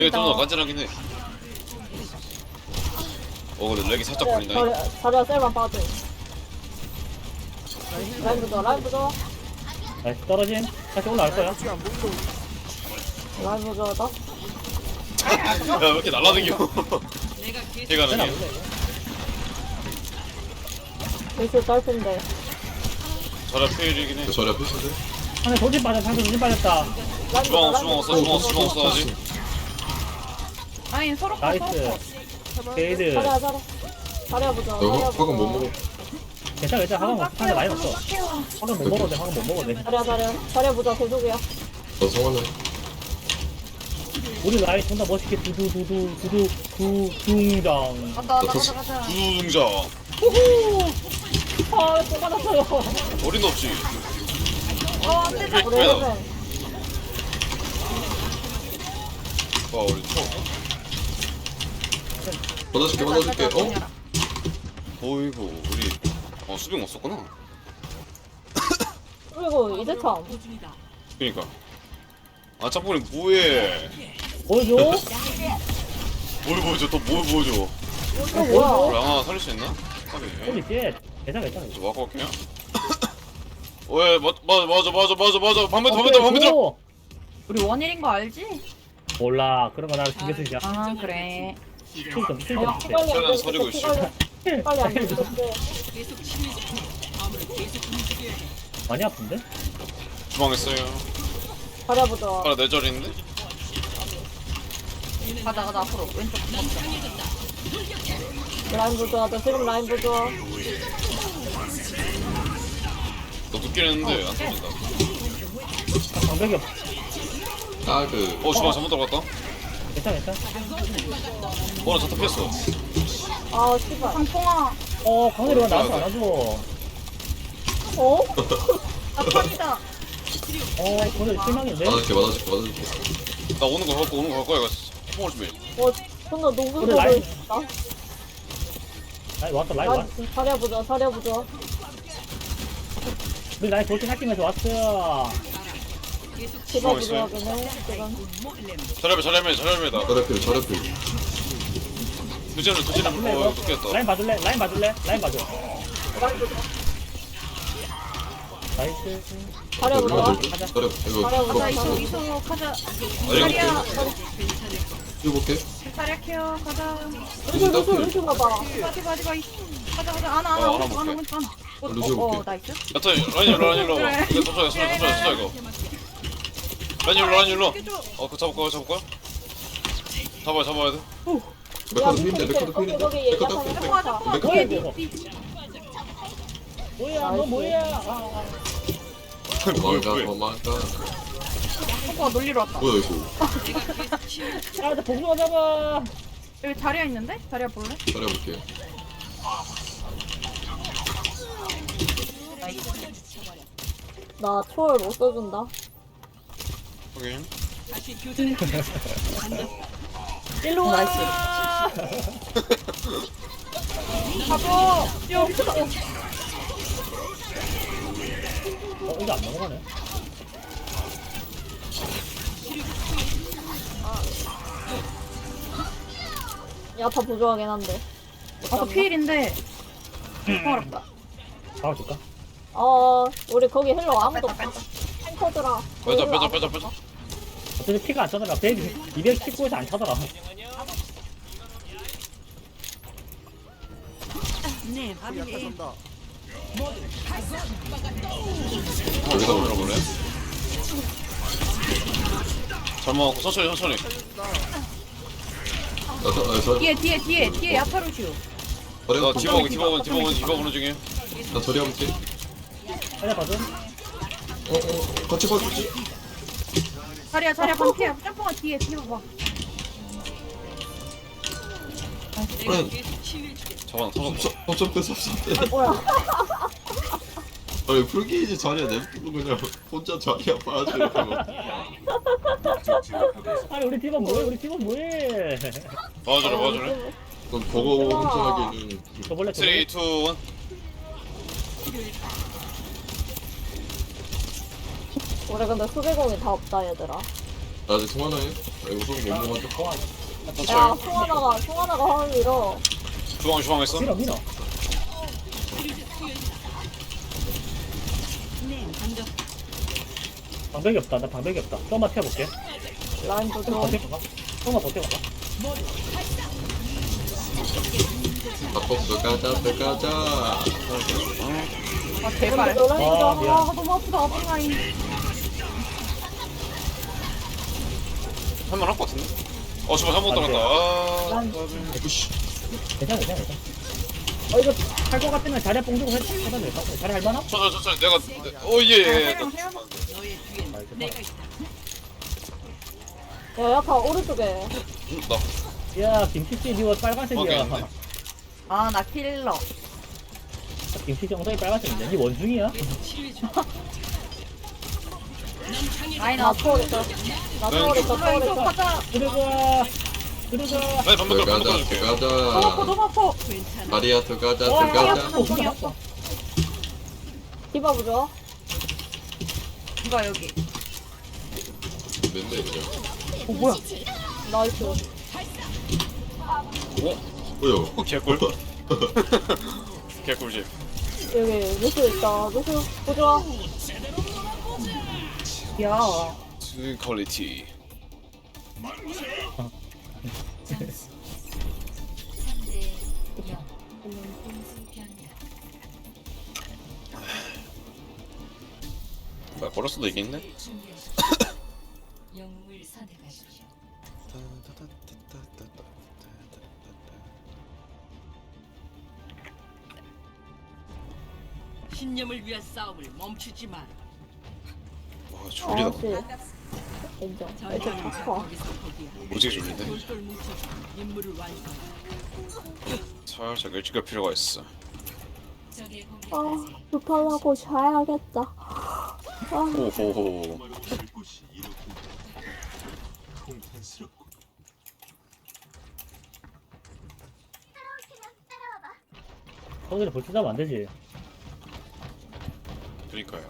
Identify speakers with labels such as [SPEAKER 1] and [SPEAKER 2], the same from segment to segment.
[SPEAKER 1] 이게 좀 더 간지나긴 해. 근데 렉이 살짝 걸린다.
[SPEAKER 2] 자리야 셀만 빠져. 라인 부조 라인 부조
[SPEAKER 3] 나이스 떨어짐. 다시 올라갈 거야.
[SPEAKER 2] 라인 부조다.
[SPEAKER 1] 야왜 이렇게 날라다녀. 걔가
[SPEAKER 3] 쟤는 안
[SPEAKER 1] 나게.
[SPEAKER 3] 올래.
[SPEAKER 2] 일수 짧은데.
[SPEAKER 1] 저라 페일이긴 해.
[SPEAKER 4] 저리 앞에신데?
[SPEAKER 3] 상대 돌진 빠졌다. 상대 돌진 빠졌다.
[SPEAKER 2] 라인
[SPEAKER 1] 주방
[SPEAKER 2] 부조
[SPEAKER 1] 없어 주방 없어 주방 없어 아직.
[SPEAKER 5] 아니 서로 거
[SPEAKER 3] 나이스. 게이드.
[SPEAKER 2] 자리야 부조.
[SPEAKER 4] 너 화금 못 먹어.
[SPEAKER 3] 괜찮아 괜찮아. 화강 없어. 상대 많이 없어. 화강 못 먹어도 돼. 화강 못 먹어도 돼.
[SPEAKER 2] 자리야 부조 계속이야.
[SPEAKER 4] 너 성환아.
[SPEAKER 3] 우리 라인 존나 멋있게 두두 둥장.
[SPEAKER 5] 가자
[SPEAKER 4] 나
[SPEAKER 5] 가자
[SPEAKER 1] 두둥자.
[SPEAKER 2] 아또 받았어요.
[SPEAKER 1] 어린도 없지.
[SPEAKER 5] 안돼
[SPEAKER 2] 우리
[SPEAKER 1] 왜 나?
[SPEAKER 2] 헬멧.
[SPEAKER 1] 와 우리 초.
[SPEAKER 4] 받아줄게.
[SPEAKER 1] 어이구 우리 수빙 없었구나.
[SPEAKER 2] 그리고 이제 참.
[SPEAKER 1] 그니까. 아 짝꿍이 뭐해?
[SPEAKER 3] 보여줘.
[SPEAKER 1] 뭘 보여줘? 또 뭘 보여줘?
[SPEAKER 2] 이거 뭐야?
[SPEAKER 1] 우리 아마 살릴 수 있나?
[SPEAKER 3] 홀리 쉣. 괜찮아 괜찮아.
[SPEAKER 1] 저 와고 갈게요. 왜 맞아 반대
[SPEAKER 3] 오!
[SPEAKER 5] 우리 원일인 거 알지?
[SPEAKER 3] 몰라. 그런 거 나를 신경 쓰지 않아.
[SPEAKER 5] 아 그래
[SPEAKER 3] 킬좀 킬좀
[SPEAKER 2] 아,
[SPEAKER 3] 해.
[SPEAKER 2] 빨리 안
[SPEAKER 1] 저는
[SPEAKER 2] 돼.
[SPEAKER 1] 서리고 있어.
[SPEAKER 2] 빨리 안 돼.
[SPEAKER 3] 많이 아픈데?
[SPEAKER 1] 주방했어요.
[SPEAKER 2] 자리야 부조.
[SPEAKER 1] 하나 내절인데?
[SPEAKER 5] 가자 앞으로 왼쪽 먹자
[SPEAKER 2] 라인 부조 하자. 지금 라인 부조.
[SPEAKER 1] 너 늦긴 했는데 안 터진다.
[SPEAKER 3] 방벽이 없어.
[SPEAKER 1] 주방 잘못 들어갔다.
[SPEAKER 3] 괜찮아 괜찮아.
[SPEAKER 1] 나 자타 피했어.
[SPEAKER 2] 아 씨발.
[SPEAKER 5] 상풍아
[SPEAKER 3] 강렬이가 나한테 안 와줘.
[SPEAKER 2] 어?
[SPEAKER 5] 나 탑이다
[SPEAKER 3] 강렬이 실망인데?
[SPEAKER 4] 받아줄게.
[SPEAKER 1] 나 오는 거 갈 거야 이거. 뽕을 준비.
[SPEAKER 2] 존나 농구
[SPEAKER 3] 우리
[SPEAKER 2] 보고
[SPEAKER 3] 라인.
[SPEAKER 2] 있다.
[SPEAKER 3] 라인 왔어 라인 왔어.
[SPEAKER 2] 자리야 부조.
[SPEAKER 3] 우리 라인 돌진 낚이면서 왔어.
[SPEAKER 2] 제가 부조하긴 해. 지금.
[SPEAKER 1] 잘해매다.
[SPEAKER 4] 저렴필.
[SPEAKER 1] 두진을 늦겠다.
[SPEAKER 3] 라인 봐줄래? 라인 봐줘.
[SPEAKER 2] 라인 부조.
[SPEAKER 3] 나이스.
[SPEAKER 2] 자리야 부조.
[SPEAKER 4] 저렴. 이거
[SPEAKER 5] 가자 이소 가자 자리야
[SPEAKER 4] 해볼게.
[SPEAKER 5] 자리야 케어 가자
[SPEAKER 2] 루시 봐봐.
[SPEAKER 5] 가자 가자 안아
[SPEAKER 1] 하나
[SPEAKER 5] 오른쪽
[SPEAKER 1] 먹게.
[SPEAKER 4] 루시 볼게.
[SPEAKER 5] 나이스
[SPEAKER 1] 야타 라인 일로.
[SPEAKER 5] 그래.
[SPEAKER 1] 이거 터져 이거. 라인 일로. 그거 잡을 거야. 잡아야 돼.
[SPEAKER 4] 메카드 필인데.
[SPEAKER 2] 거기
[SPEAKER 5] 잡아
[SPEAKER 4] 메카드
[SPEAKER 5] 뒤에
[SPEAKER 4] 필.
[SPEAKER 5] 뒤에
[SPEAKER 3] 뭐야 너 뭐야?
[SPEAKER 4] 도망가.
[SPEAKER 5] 뽀뽀가 놀리러 왔다
[SPEAKER 4] 뭐야 이거.
[SPEAKER 3] 나 복숭아 잡아.
[SPEAKER 5] 여기 자리야 있는데? 자리야 볼래?
[SPEAKER 4] 잘해볼게.
[SPEAKER 2] 나 초월 못 써준다.
[SPEAKER 1] 확인.
[SPEAKER 2] 일로 와.
[SPEAKER 5] 가보
[SPEAKER 2] 야 미쳤다.
[SPEAKER 3] 이거 안 넘어가네.
[SPEAKER 2] 야타 부조하긴 한데.
[SPEAKER 5] 아까 피일인데 어렵다
[SPEAKER 3] 잡아줄까?
[SPEAKER 2] 우리 거기 힐러 아무도 없다. 탱커들아.
[SPEAKER 1] 빼자.
[SPEAKER 3] 어차피 피가 안 차더라. 219에서 안 차더라.
[SPEAKER 1] 여기다 올려볼래? 잘 먹었고 천천히.
[SPEAKER 5] 뒤에 야타루슈
[SPEAKER 1] 나 디버그는 중에.
[SPEAKER 4] 나 저리 해볼게.
[SPEAKER 3] 자리야 봐줘.
[SPEAKER 4] 같이 봐주지.
[SPEAKER 5] 자리야 반피야 점프가 뒤에 봐봐
[SPEAKER 1] 잡아 터졌어.
[SPEAKER 4] 섭섭대.
[SPEAKER 2] 뭐야?
[SPEAKER 4] 아니 풀게이지 자리야 냅두고 그냥 혼자 자리야 봐주고.
[SPEAKER 3] 아니 우리 팀은 뭐해?
[SPEAKER 1] 봐주래.
[SPEAKER 4] 넌 버거 혼자 하기에는.
[SPEAKER 3] 저번에
[SPEAKER 1] 3, 2, 1.
[SPEAKER 2] 우리 근데 수비공이 다 없다 얘들아.
[SPEAKER 4] 나 아직 통화나해? 나 이거 소금 못 먹었다.
[SPEAKER 2] 야 송하나가 화면 밀어.
[SPEAKER 1] 주방 했어?
[SPEAKER 3] 밀어 밀어. 방벽이 없다. 나 방벽이 없다. 조금만 튀어볼게.
[SPEAKER 2] 라인
[SPEAKER 3] 조금만
[SPEAKER 2] 보조.
[SPEAKER 3] 버텨봐. 조금만 버텨봐.
[SPEAKER 4] 밥버스 가자.
[SPEAKER 5] 아 제발.
[SPEAKER 2] 라인 보조.
[SPEAKER 3] 아, 미안.
[SPEAKER 5] 아 너무 아프다 아픈 라인.
[SPEAKER 1] 할만할 것 같은데? 제발 잘못 들어갔다.
[SPEAKER 2] 난-
[SPEAKER 4] 으씨.
[SPEAKER 3] 괜찮아. 이거 할 것 같으면 자리 뽕 주고 해도 될까? 자리 할 만함?
[SPEAKER 1] 천천히 내가 예.
[SPEAKER 2] 야 약간 오른쪽에.
[SPEAKER 1] 나
[SPEAKER 3] 야 김치씨 니가 빨간색이야.
[SPEAKER 1] 오케이.
[SPEAKER 5] 아나 킬러.
[SPEAKER 3] 김치씨 엉덩이 빨간색인데 니 원숭이야?
[SPEAKER 5] 라인
[SPEAKER 2] 나
[SPEAKER 5] 앞.
[SPEAKER 2] 초월했어. 초월했어.
[SPEAKER 5] 가자.
[SPEAKER 3] 들어가.
[SPEAKER 1] 나 반박
[SPEAKER 4] 들어가자.
[SPEAKER 1] 들어줄게.
[SPEAKER 5] 너무 아파 너무 아파.
[SPEAKER 4] 다리야 들어가자.
[SPEAKER 5] 엉덩이 아파.
[SPEAKER 2] 디바 보조.
[SPEAKER 5] 누가 여기.
[SPEAKER 4] 맨날 그냥.
[SPEAKER 5] 뭐야?
[SPEAKER 2] 나이스.
[SPEAKER 4] 뭐야?
[SPEAKER 1] 개꿀. 개꿀집.
[SPEAKER 2] 여기 루스 있다. 루스 보조.
[SPEAKER 5] 야.
[SPEAKER 1] 스 퀄리티. 뭐야 걸었어도 이기겠네?
[SPEAKER 6] 영웅을 선택하십시오. 신념을 위한 싸움을 멈추지 마.
[SPEAKER 1] 와 졸리다.
[SPEAKER 2] 아씨. 인정. 이렇게
[SPEAKER 6] 전장은
[SPEAKER 2] 아파.
[SPEAKER 6] 거기서 거기야.
[SPEAKER 1] 오지게 졸린데?
[SPEAKER 6] 똘똘 뭉쳐서 임무를 완성.
[SPEAKER 1] 살짝 일찍 갈 필요가 있어.
[SPEAKER 6] 적의
[SPEAKER 2] 아
[SPEAKER 6] 공격까지
[SPEAKER 2] 불편하고 자야겠다. 아.
[SPEAKER 1] 오호호.
[SPEAKER 3] 거기를 볼트 잡으면 안 되지.
[SPEAKER 1] 그니까요.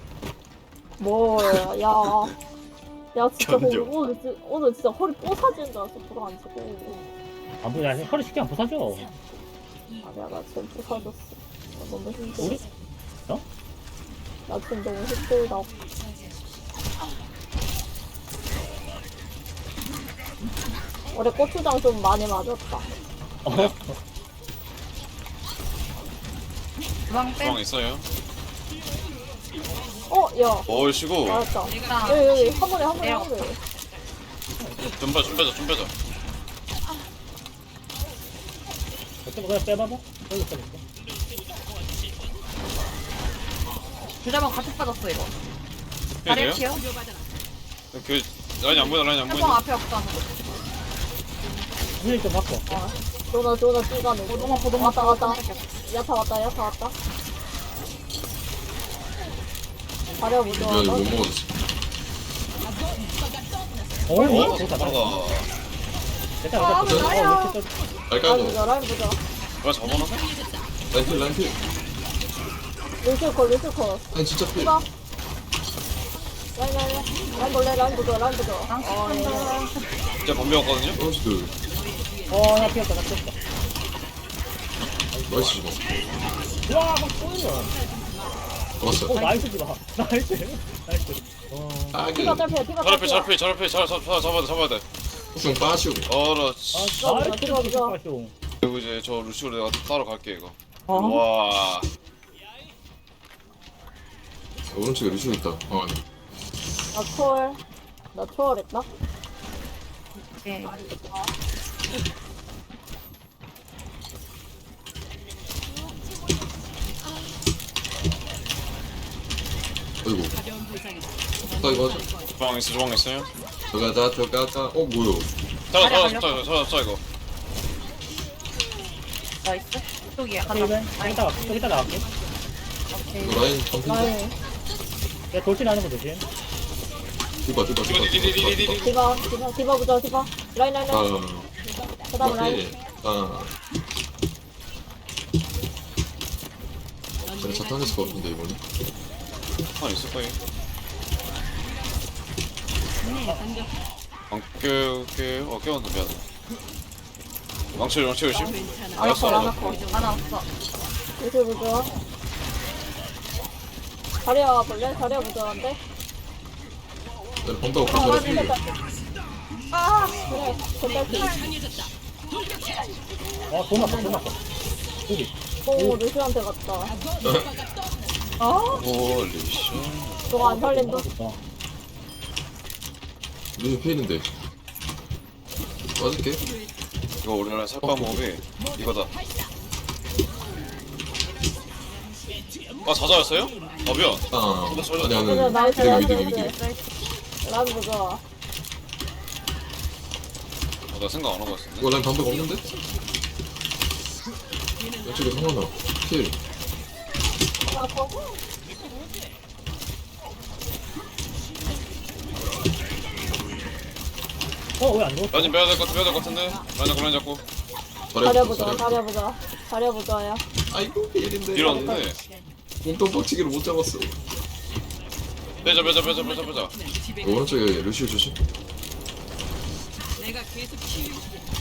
[SPEAKER 2] 뭘, 야, 진짜
[SPEAKER 1] 견뎌.
[SPEAKER 2] 오늘 진짜 허리 뽀사지는 줄 알았어, 불안치고.
[SPEAKER 3] 안 보여. 허리 쉽게 안 부서져.
[SPEAKER 2] 아니야, 나 지금 뽀사졌어. 나 너무 힘들어.
[SPEAKER 3] 우리? 어?
[SPEAKER 2] 나 지금 너무 힘들다. 올해 고추장 좀 많이 맞았다.
[SPEAKER 5] 주방 빼.
[SPEAKER 1] 주방 있어요?
[SPEAKER 2] 야,
[SPEAKER 1] 얼씨구.
[SPEAKER 2] 맞았다.
[SPEAKER 5] 내가
[SPEAKER 2] 여기, 한 번에.
[SPEAKER 1] 좀 빼자.
[SPEAKER 3] 어쩌고 그냥 빼봐봐. 여기 빼볼게.
[SPEAKER 5] 주자방 같이 빠졌어 이거.
[SPEAKER 1] 해야
[SPEAKER 5] 다리
[SPEAKER 1] 돼요?
[SPEAKER 5] 튀어.
[SPEAKER 1] 그 라인이 안 보인다.
[SPEAKER 5] 해방 앞에 없다.
[SPEAKER 3] 물좀 바꿔.
[SPEAKER 2] 조나 찌가네.
[SPEAKER 5] 너무 아파 너무
[SPEAKER 2] 왔다,
[SPEAKER 5] 아파.
[SPEAKER 2] 왔다. 야타 왔다. 가려보죠.
[SPEAKER 4] 이거 못 먹었어.
[SPEAKER 3] 좋다.
[SPEAKER 1] 가
[SPEAKER 3] 됐다.
[SPEAKER 5] 나야.
[SPEAKER 4] 알까고.
[SPEAKER 2] 라인 보자.
[SPEAKER 1] 뭐야 잡아놨어?
[SPEAKER 4] 란필.
[SPEAKER 2] 루시오 컷.
[SPEAKER 4] 아니 진짜 필.
[SPEAKER 2] 디바. 라인 볼래, 라인 보자.
[SPEAKER 1] 진짜 범배웠거든요?
[SPEAKER 4] 나이스.
[SPEAKER 3] 나 피었다.
[SPEAKER 4] 나이스 이거.
[SPEAKER 3] 와, 막 쏘이네.
[SPEAKER 4] 좋았어.
[SPEAKER 3] 나이스 지마. 나이스.
[SPEAKER 4] 딱이.
[SPEAKER 2] 디바 짧게.
[SPEAKER 1] 잡아야 돼.
[SPEAKER 4] 좀 빠시오.
[SPEAKER 1] 어라
[SPEAKER 3] 나이스.
[SPEAKER 1] 그리고 이제 저 루시오를 내가 따로 갈게 이거.
[SPEAKER 5] 어?
[SPEAKER 1] 와
[SPEAKER 4] 오른쪽에 루시오 있다. 아니.
[SPEAKER 2] 나 초월했다.
[SPEAKER 5] 오케이.
[SPEAKER 4] 아이고.
[SPEAKER 6] 가벼운 부상이다.
[SPEAKER 4] 나 이거 하자.
[SPEAKER 1] 주방 있어요?
[SPEAKER 4] 들어가자. 뭐야?
[SPEAKER 1] 잡아 이거.
[SPEAKER 5] 나이스. 이쪽이야. 가자.
[SPEAKER 3] 이따 나갈게.
[SPEAKER 5] 오케이.
[SPEAKER 4] 이거 라인 덤핑.
[SPEAKER 2] 라인.
[SPEAKER 3] 야, 돌진하는 거 조심.
[SPEAKER 4] 디바.
[SPEAKER 2] 디바 보자. 라인. 그다음 라인.
[SPEAKER 4] 그래 자탄했을 것 같은데 이번에.
[SPEAKER 1] 아 있을 거예요. 깨웠네 미안해. 망치 조심.
[SPEAKER 5] 안
[SPEAKER 1] 알았어
[SPEAKER 5] 왔어 안
[SPEAKER 1] 알았어.
[SPEAKER 5] 왔어 안 왔어.
[SPEAKER 2] 요새 보자. 자리야 볼래? 자리야 보자한데?
[SPEAKER 4] 내 방다고 가 자리야 필.
[SPEAKER 5] 아
[SPEAKER 2] 그래, 전달기.
[SPEAKER 3] 돈 아까 돈 아까. 여기.
[SPEAKER 2] 오, 루시한테 갔다.
[SPEAKER 1] 홀리 씨.
[SPEAKER 2] 저거 안 살린다?
[SPEAKER 4] 루시 필인데. 맞을게.
[SPEAKER 1] 이거 우리나라 살빵 모험이 이거다. 아 자자였어요? 아 미안.
[SPEAKER 4] 아니
[SPEAKER 2] 그래,
[SPEAKER 4] 아니.
[SPEAKER 2] 나이스,
[SPEAKER 4] 미드
[SPEAKER 2] 나이스,
[SPEAKER 4] 미드 미드.
[SPEAKER 2] 나이스. 라인 보자.
[SPEAKER 1] 나 생각 안 하고 있었네.
[SPEAKER 4] 이거 난 방법 없는데? 이쪽에 성하나. 필.
[SPEAKER 2] 아, 더.
[SPEAKER 3] 왜 안 죽었어?
[SPEAKER 1] 라인 빼야 될 것 같은데. 라인 잡고.
[SPEAKER 2] 자리야 보자, 자리야 보자. 자리야 보자야.
[SPEAKER 4] 아이고 필인데.
[SPEAKER 1] 밀었는데.
[SPEAKER 4] 몸통 빡치기를 못 잡았어.
[SPEAKER 1] 빼자.
[SPEAKER 6] 집에
[SPEAKER 4] 오른쪽에 루시오 조심.
[SPEAKER 6] 내가 계속 치유해.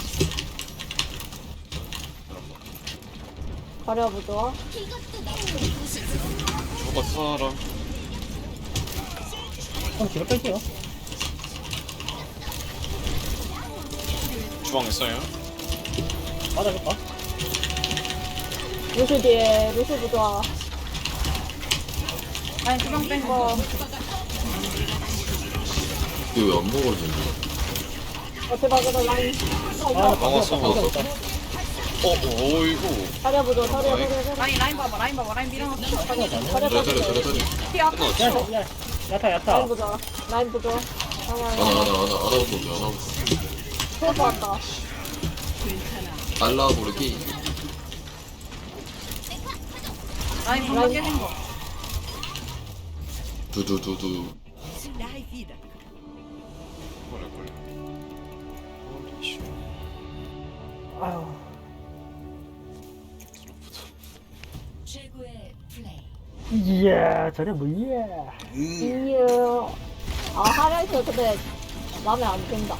[SPEAKER 2] 자리야 보자.
[SPEAKER 1] 저거 사람.
[SPEAKER 3] 형 뒤로 뺄게요.
[SPEAKER 1] 주방 있어요?
[SPEAKER 3] 맞아줄까?
[SPEAKER 2] 루시 뒤에, 루시 보자.
[SPEAKER 5] 아니 주방 뺀거
[SPEAKER 4] 이거 왜 안 먹어지는
[SPEAKER 2] 대박이다, 라인.
[SPEAKER 1] 막았어.
[SPEAKER 3] 막았어.
[SPEAKER 1] 어이구.
[SPEAKER 2] 자리야 보자, 자리야 보자.
[SPEAKER 5] 라인 봐봐 라인 밀어놨어.
[SPEAKER 2] 자리야
[SPEAKER 4] 자리야
[SPEAKER 2] 보자.
[SPEAKER 4] 자리야.
[SPEAKER 5] 피야
[SPEAKER 1] 끝났어.
[SPEAKER 3] 야타
[SPEAKER 2] 라인
[SPEAKER 3] 야타.
[SPEAKER 2] 보자. 라인 보자.
[SPEAKER 4] 하나 보자. 하나 보자.
[SPEAKER 2] 처음 봤다.
[SPEAKER 4] 알라 모르기.
[SPEAKER 5] 라인 방금 깨진 거.
[SPEAKER 4] 두두두두.
[SPEAKER 3] 아유.
[SPEAKER 6] 최고의 플레이.
[SPEAKER 3] 이야 저래 뭐야.
[SPEAKER 2] 이야. 아, 하면서 근데 마음에 안 든다.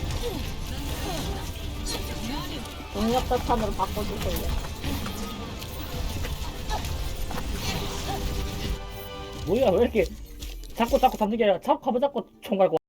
[SPEAKER 2] 동력 대탄으로 바꿔주세요.
[SPEAKER 3] 뭐야 왜 이렇게 자꾸 잡는 게 아니라 자꾸 가면 자꾸 총 갈고